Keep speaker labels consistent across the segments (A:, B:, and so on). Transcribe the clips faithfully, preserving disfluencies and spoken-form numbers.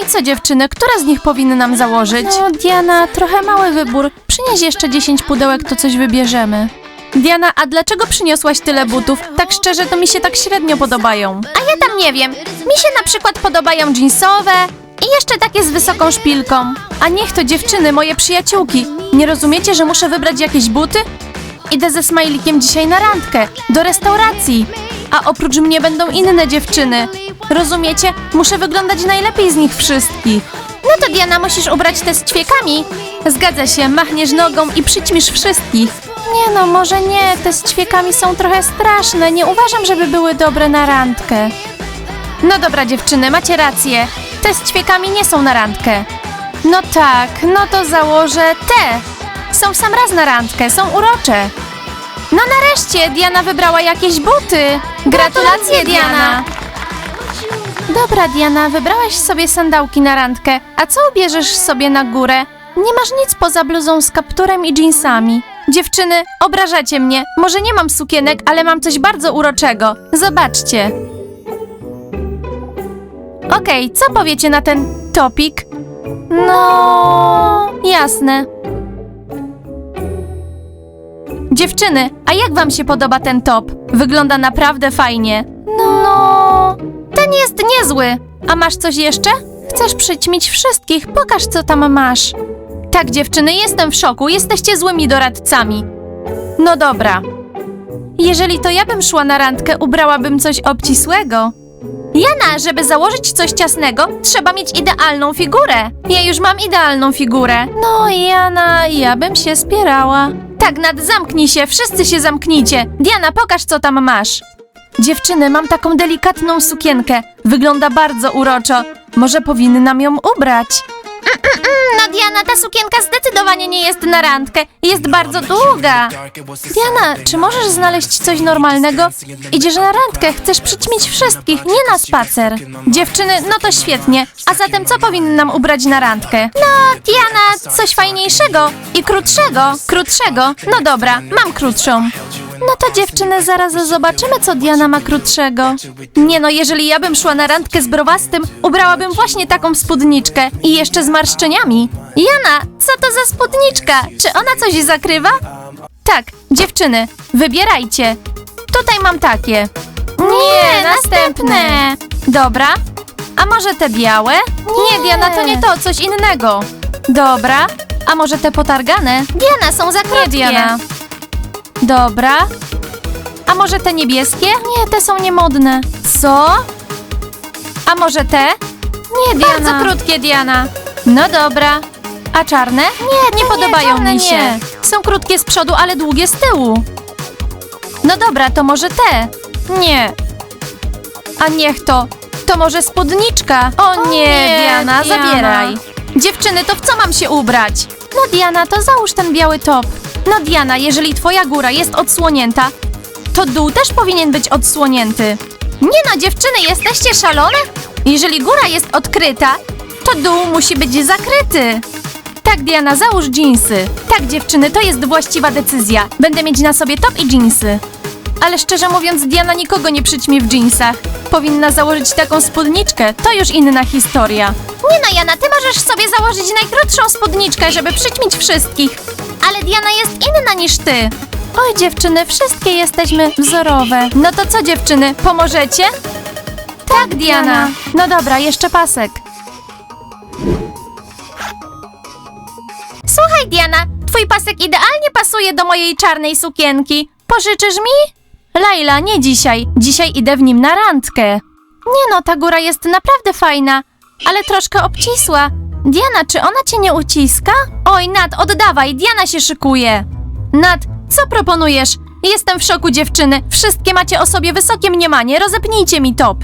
A: I co dziewczyny, która z nich powinny nam założyć? No Diana, trochę mały wybór. Przynieś jeszcze dziesięć pudełek, to coś wybierzemy. Diana, a dlaczego przyniosłaś tyle butów? Tak szczerze, to mi się tak średnio podobają. A ja tam nie wiem. Mi się na przykład podobają jeansowe i jeszcze takie z wysoką szpilką. A niech to dziewczyny, moje przyjaciółki. Nie rozumiecie, że muszę wybrać jakieś buty? Idę ze Smajlikiem dzisiaj na randkę, do restauracji. A oprócz mnie będą inne dziewczyny. Rozumiecie? Muszę wyglądać najlepiej z nich wszystkich. No to Diana, musisz ubrać te z ćwiekami. Zgadza się, machniesz nogą i przyćmisz wszystkich. Nie no, może nie, te z ćwiekami są trochę straszne. Nie uważam, żeby były dobre na randkę. No dobra dziewczyny, macie rację. Te z ćwiekami nie są na randkę. No tak, no to założę te. Są w sam raz na randkę, są urocze. No nareszcie, Diana wybrała jakieś buty. Gratulacje, Diana. Dobra, Diana, wybrałaś sobie sandałki na randkę. A co ubierzesz sobie na górę? Nie masz nic poza bluzą z kapturem i dżinsami. Dziewczyny, obrażacie mnie. Może nie mam sukienek, ale mam coś bardzo uroczego. Zobaczcie. Okej, co powiecie na ten topik? No, jasne. Dziewczyny, a jak wam się podoba ten top? Wygląda naprawdę fajnie. No, ten jest niezły. A masz coś jeszcze? Chcesz przyćmić wszystkich? Pokaż, co tam masz. Tak, dziewczyny, jestem w szoku. Jesteście złymi doradcami. No dobra. Jeżeli to ja bym szła na randkę, ubrałabym coś obcisłego. Jana, żeby założyć coś ciasnego, trzeba mieć idealną figurę. Ja już mam idealną figurę. No, Jana, ja bym się spierała. Tak, Nat, zamknij się, wszyscy się zamknijcie. Diana, pokaż, co tam masz. Dziewczyny, mam taką delikatną sukienkę. Wygląda bardzo uroczo. Może powinnam ją ubrać. No Diana, ta sukienka zdecydowanie nie jest na randkę. Jest bardzo długa. Diana, czy możesz znaleźć coś normalnego? Idziesz na randkę, chcesz przyćmić wszystkich, nie na spacer. Dziewczyny, no to świetnie. A zatem co powinnam ubrać na randkę? No, Diana, coś fajniejszego i krótszego. Krótszego? No dobra, mam krótszą. No to dziewczyny, zaraz zobaczymy, co Diana ma krótszego. Nie no, jeżeli ja bym szła na randkę z browastym, ubrałabym właśnie taką spódniczkę i jeszcze z marszczeniami. Jana, co to za spódniczka? Czy ona coś zakrywa? Tak, dziewczyny, wybierajcie. Tutaj mam takie. Nie, następne. Dobra. A może te białe? Nie, Diana, to nie to, coś innego. Dobra. A może te potargane? Diana, są za krótkie. Diana. Dobra. A może te niebieskie? Nie, te są niemodne. Co? A może te? Nie, Diana. Bardzo krótkie, Diana. No dobra. A czarne? Nie, nie podobają nie, mi się. Nie. Są krótkie z przodu, ale długie z tyłu. No dobra, to może te? Nie. A niech to. To może spódniczka? O, o nie, nie, Diana, Diana, zabieraj. Dziewczyny, to w co mam się ubrać? No Diana, to załóż ten biały top. No Diana, jeżeli twoja góra jest odsłonięta, to dół też powinien być odsłonięty. Nie no, dziewczyny, jesteście szalone? Jeżeli góra jest odkryta, to dół musi być zakryty. Tak, Diana, załóż dżinsy. Tak, dziewczyny, to jest właściwa decyzja. Będę mieć na sobie top i dżinsy. Ale szczerze mówiąc, Diana nikogo nie przyćmi w dżinsach. Powinna założyć taką spódniczkę, to już inna historia. Nie no, Jana, ty możesz sobie założyć najkrótszą spódniczkę, żeby przyćmić wszystkich. Ale Diana jest inna niż ty. Oj, dziewczyny, wszystkie jesteśmy wzorowe. No to co, dziewczyny, pomożecie? Tak, Diana. No dobra, jeszcze pasek. Słuchaj, Diana, twój pasek idealnie pasuje do mojej czarnej sukienki. Pożyczysz mi? Laila, nie dzisiaj. Dzisiaj idę w nim na randkę. Nie no, ta góra jest naprawdę fajna, ale troszkę obcisła. Diana, czy ona cię nie uciska? Oj, Nat, oddawaj, Diana się szykuje. Nat, co proponujesz? Jestem w szoku, dziewczyny. Wszystkie macie o sobie wysokie mniemanie. Rozepnijcie mi top.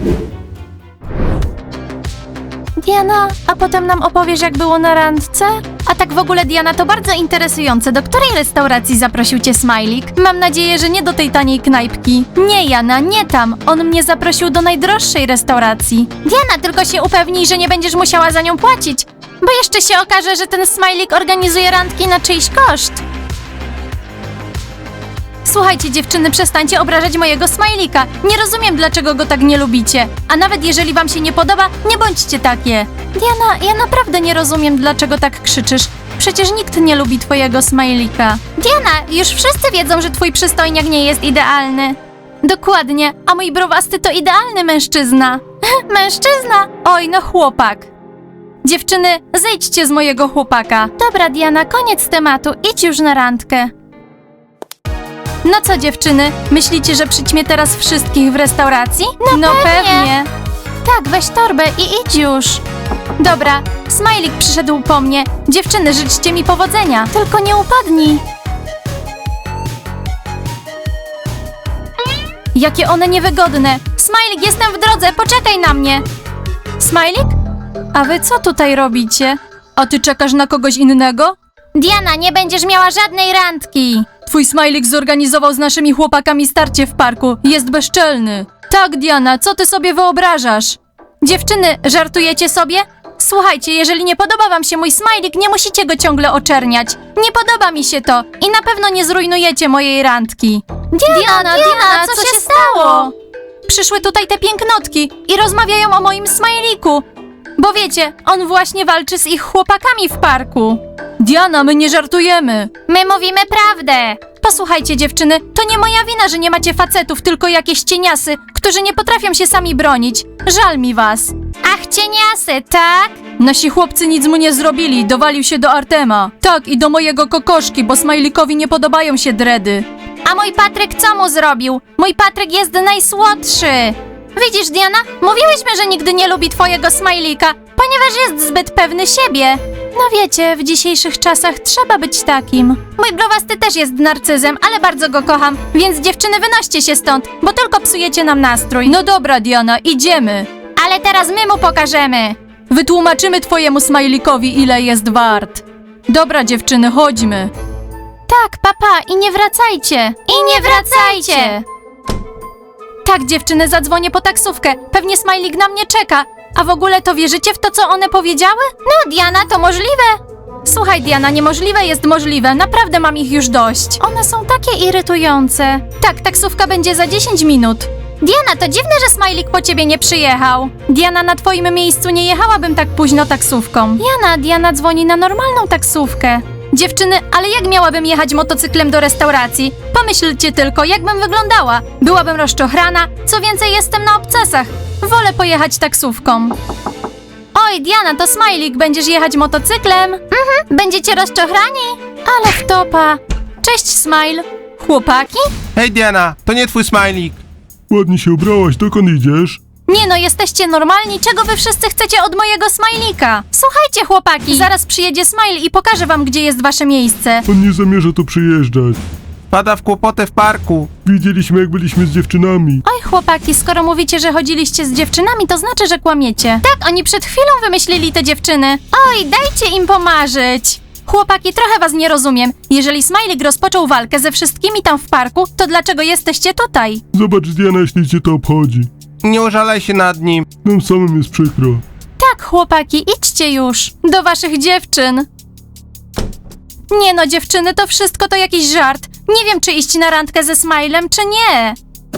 A: Diana, a potem nam opowiesz, jak było na randce? A tak w ogóle, Diana, to bardzo interesujące. Do której restauracji zaprosił cię Smajlik? Mam nadzieję, że nie do tej taniej knajpki. Nie, Jana, nie tam. On mnie zaprosił do najdroższej restauracji. Diana, tylko się upewnij, że nie będziesz musiała za nią płacić, bo jeszcze się okaże, że ten Smajlik organizuje randki na czyjś koszt. Słuchajcie, dziewczyny, przestańcie obrażać mojego smajlika. Nie rozumiem, dlaczego go tak nie lubicie. A nawet jeżeli wam się nie podoba, nie bądźcie takie. Diana, ja naprawdę nie rozumiem, dlaczego tak krzyczysz. Przecież nikt nie lubi twojego smajlika. Diana, już wszyscy wiedzą, że twój przystojniak nie jest idealny. Dokładnie, a mój browasty to idealny mężczyzna. Mężczyzna? Oj, no chłopak. Dziewczyny, zejdźcie z mojego chłopaka. Dobra, Diana, koniec tematu, idź już na randkę. No co, dziewczyny, myślicie, że przyćmie teraz wszystkich w restauracji? No, no pewnie. pewnie. Tak, weź torbę i idź już. Dobra, Smajlik przyszedł po mnie. Dziewczyny, życzcie mi powodzenia. Tylko nie upadnij. Jakie one niewygodne. Smajlik, jestem w drodze, poczekaj na mnie. Smajlik? A wy co tutaj robicie? A ty czekasz na kogoś innego? Diana, nie będziesz miała żadnej randki. Twój Smajlik zorganizował z naszymi chłopakami starcie w parku. Jest bezczelny. Tak, Diana, co ty sobie wyobrażasz? Dziewczyny, żartujecie sobie? Słuchajcie, jeżeli nie podoba wam się mój Smajlik, nie musicie go ciągle oczerniać. Nie podoba mi się to i na pewno nie zrujnujecie mojej randki. Diana, Diana, Diana co, co się stało? Przyszły tutaj te pięknotki i rozmawiają o moim Smajliku. Bo wiecie, on właśnie walczy z ich chłopakami w parku. Diana, my nie żartujemy. My mówimy prawdę. Posłuchajcie, dziewczyny, to nie moja wina, że nie macie facetów, tylko jakieś cieniasy, którzy nie potrafią się sami bronić. Żal mi was. Ach, cieniasy, tak? Nasi chłopcy nic mu nie zrobili, dowalił się do Artema. Tak, i do mojego kokoszki, bo Smajlikowi nie podobają się dredy. A mój Patryk co mu zrobił? Mój Patryk jest najsłodszy. Widzisz, Diana? Mówiłyśmy, że nigdy nie lubi twojego Smajlika, ponieważ jest zbyt pewny siebie. No wiecie, w dzisiejszych czasach trzeba być takim. Mój browasty też jest narcyzem, ale bardzo go kocham, więc dziewczyny, wynoście się stąd, bo tylko psujecie nam nastrój. No dobra, Diana, idziemy. Ale teraz my mu pokażemy. Wytłumaczymy twojemu Smajlikowi, ile jest wart. Dobra, dziewczyny, chodźmy. Tak, papa, i nie wracajcie. I nie wracajcie. Tak, dziewczyny, zadzwonię po taksówkę. Pewnie Smajlik na mnie czeka. A w ogóle to wierzycie w to, co one powiedziały? No, Diana, to możliwe. Słuchaj, Diana, niemożliwe jest możliwe. Naprawdę mam ich już dość. One są takie irytujące. Tak, taksówka będzie za dziesięć minut. Diana, to dziwne, że Smajlik po ciebie nie przyjechał. Diana, na twoim miejscu nie jechałabym tak późno taksówką. Jana, Diana dzwoni na normalną taksówkę. Dziewczyny, ale jak miałabym jechać motocyklem do restauracji? Pomyślcie tylko, jakbym wyglądała. Byłabym rozczochrana, co więcej jestem na obcasach. Wolę pojechać taksówką. Oj, Diana, to Smajlik, będziesz jechać motocyklem? Mhm, będziecie rozczochrani? Ale wtopa. Cześć, Smile. Chłopaki?
B: Hej Diana, to nie twój Smajlik.
C: Ładnie się ubrałaś, dokąd idziesz?
A: Nie no, jesteście normalni, czego wy wszyscy chcecie od mojego Smajlika? Słuchajcie, chłopaki, zaraz przyjedzie Smile i pokaże wam, gdzie jest wasze miejsce.
C: On nie zamierza tu przyjeżdżać.
B: Pada w kłopoty w parku.
C: Widzieliśmy, jak byliśmy z dziewczynami.
A: Oj, chłopaki, skoro mówicie, że chodziliście z dziewczynami, to znaczy, że kłamiecie. Tak, oni przed chwilą wymyślili te dziewczyny. Oj, dajcie im pomarzyć. Chłopaki, trochę was nie rozumiem. Jeżeli Smajlik rozpoczął walkę ze wszystkimi tam w parku, to dlaczego jesteście tutaj?
C: Zobacz, Diana, jeśli cię to obchodzi.
B: Nie użalaj się nad nim.
C: Nam samym jest przykro.
A: Tak, chłopaki, idźcie już. Do waszych dziewczyn. Nie no, dziewczyny, to wszystko to jakiś żart. Nie wiem, czy iść na randkę ze Smilem, czy nie.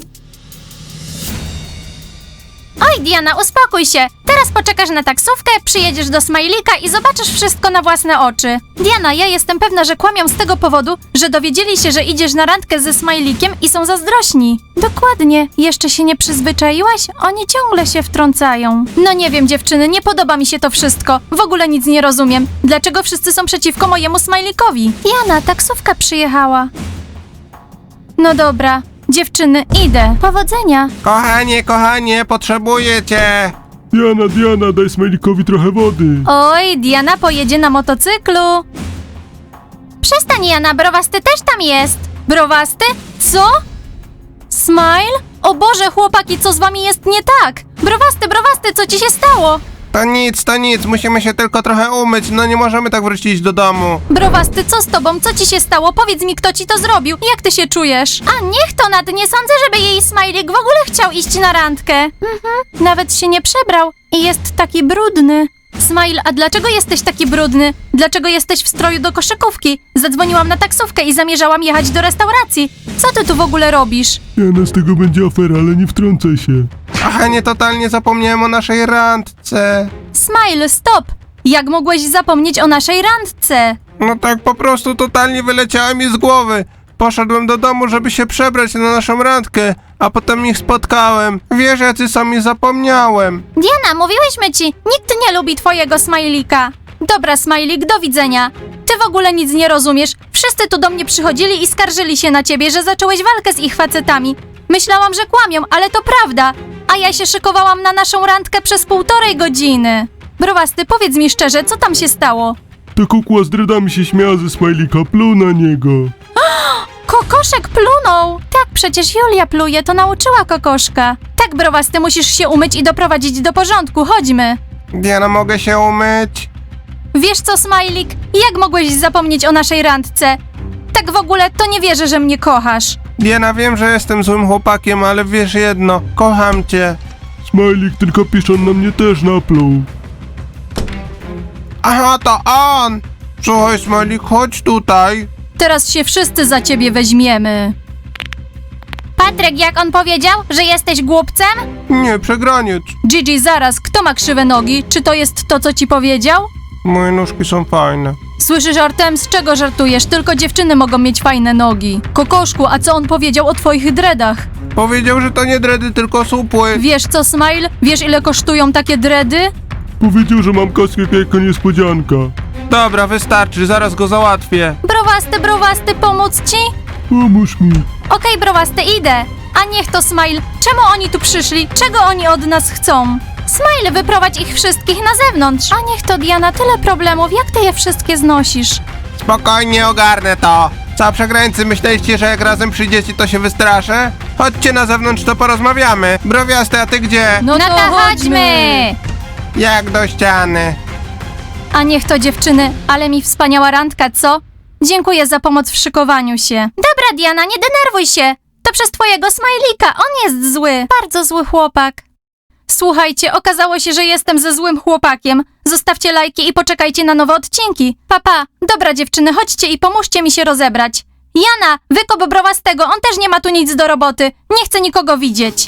A: Oj, Diana, uspokój się. Teraz poczekasz na taksówkę, przyjedziesz do Smajlika i zobaczysz wszystko na własne oczy. Diana, ja jestem pewna, że kłamią z tego powodu, że dowiedzieli się, że idziesz na randkę ze Smajlikiem i są zazdrośni. Dokładnie. Jeszcze się nie przyzwyczaiłaś? Oni ciągle się wtrącają. No nie wiem, dziewczyny, nie podoba mi się to wszystko. W ogóle nic nie rozumiem. Dlaczego wszyscy są przeciwko mojemu Smajlikowi? Jana, taksówka przyjechała. No dobra. Dziewczyny, idę. Powodzenia.
B: Kochanie, kochanie, potrzebuję cię.
C: Diana, Diana, daj Smajlikowi trochę wody.
A: Oj, Diana pojedzie na motocyklu. Przestań, Jana, browasty też tam jest. Browasty? Co? Smile? O Boże, chłopaki, co z wami jest nie tak? Browasty, browasty, co ci się stało?
B: To nic, to nic, musimy się tylko trochę umyć, no nie możemy tak wrócić do domu.
A: Browasty, co z tobą? Co ci się stało? Powiedz mi, kto ci to zrobił. Jak ty się czujesz? A niech to nad, nie sądzę, żeby jej Smajlik w ogóle chciał iść na randkę. Mhm. Nawet się nie przebrał i jest taki brudny. Smile, a dlaczego jesteś taki brudny? Dlaczego jesteś w stroju do koszykówki? Zadzwoniłam na taksówkę i zamierzałam jechać do restauracji. Co ty tu w ogóle robisz?
C: Diana, z tego będzie afera, ale nie wtrącaj się.
B: Aha, nie totalnie zapomniałem o naszej randce.
A: Smile, stop! Jak mogłeś zapomnieć o naszej randce?
B: No tak po prostu totalnie wyleciało mi z głowy. Poszedłem do domu, żeby się przebrać na naszą randkę, a potem ich spotkałem. Wiesz, jacy są i zapomniałem.
A: Diana, mówiłyśmy ci, nikt nie lubi twojego smajlika. Dobra, smajlik, do widzenia. Ty w ogóle nic nie rozumiesz. Wszyscy tu do mnie przychodzili i skarżyli się na ciebie, że zacząłeś walkę z ich facetami. Myślałam, że kłamią, ale to prawda. A ja się szykowałam na naszą randkę przez półtorej godziny. Browasty, powiedz mi szczerze, co tam się stało?
C: Ta kukła z dreadami się śmiała ze smajlika, pluł na niego.
A: Kokoszek plunął! Tak, przecież Julia pluje, to nauczyła kokoszka. Tak, Browasty, musisz się umyć i doprowadzić do porządku, chodźmy.
B: Diana, mogę się umyć?
A: Wiesz co, Smajlik? Jak mogłeś zapomnieć o naszej randce? Tak w ogóle to nie wierzę, że mnie kochasz.
B: Diana, wiem, że jestem złym chłopakiem, ale wiesz jedno, kocham cię.
C: Smajlik, tylko piszon na mnie też napluł.
B: Aha, to on! Słuchaj, Smolik, chodź tutaj.
A: Teraz się wszyscy za ciebie weźmiemy. Patryk, jak on powiedział, że jesteś głupcem?
B: Nie, przegraniec.
A: Gigi, zaraz, kto ma krzywe nogi? Czy to jest to, co ci powiedział?
B: Moje nóżki są fajne.
A: Słyszysz, Artem, z czego żartujesz? Tylko dziewczyny mogą mieć fajne nogi. Kokoszku, a co on powiedział o twoich dreadach?
B: Powiedział, że to nie dredy, tylko supły.
A: Wiesz co, Smile? Wiesz, ile kosztują takie dready?
C: Powiedział, że mam kaskę jako niespodzianka.
B: Dobra, wystarczy, zaraz go załatwię.
A: Browasty, browasty, pomóc ci?
C: Pomóż mi.
A: Okej, browasty, idę. A niech to Smile. Czemu oni tu przyszli? Czego oni od nas chcą? Smile, wyprowadź ich wszystkich na zewnątrz. A niech to Diana, tyle problemów. Jak ty je wszystkie znosisz?
B: Spokojnie, ogarnę to. Co, przegrańcy, myśleliście, że jak razem przyjdziecie, to się wystraszę? Chodźcie na zewnątrz, to porozmawiamy. Browiasty, a ty gdzie?
A: No, to chodźmy!
B: Jak do ściany.
A: A niech to dziewczyny, ale mi wspaniała randka, co? Dziękuję za pomoc w szykowaniu się. Dobra, Diana, nie denerwuj się. To przez twojego smajlika, on jest zły. Bardzo zły chłopak. Słuchajcie, okazało się, że jestem ze złym chłopakiem. Zostawcie lajki i poczekajcie na nowe odcinki. Papa, dobra dziewczyny, chodźcie i pomóżcie mi się rozebrać. Jana, wykop browastego, on też nie ma tu nic do roboty. Nie chcę nikogo widzieć.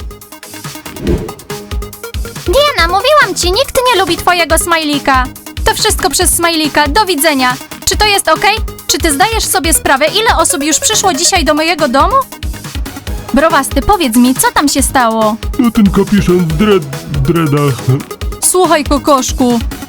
A: Diana, mówiłam ci, nikt nie lubi twojego smajlika. To wszystko przez smajlika, do widzenia. Czy to jest okej? Czy ty zdajesz sobie sprawę, ile osób już przyszło dzisiaj do mojego domu? Browasty, powiedz mi, co tam się stało?
C: No ten kapiszon w dread... w dreadach.
A: Słuchaj, kokoszku,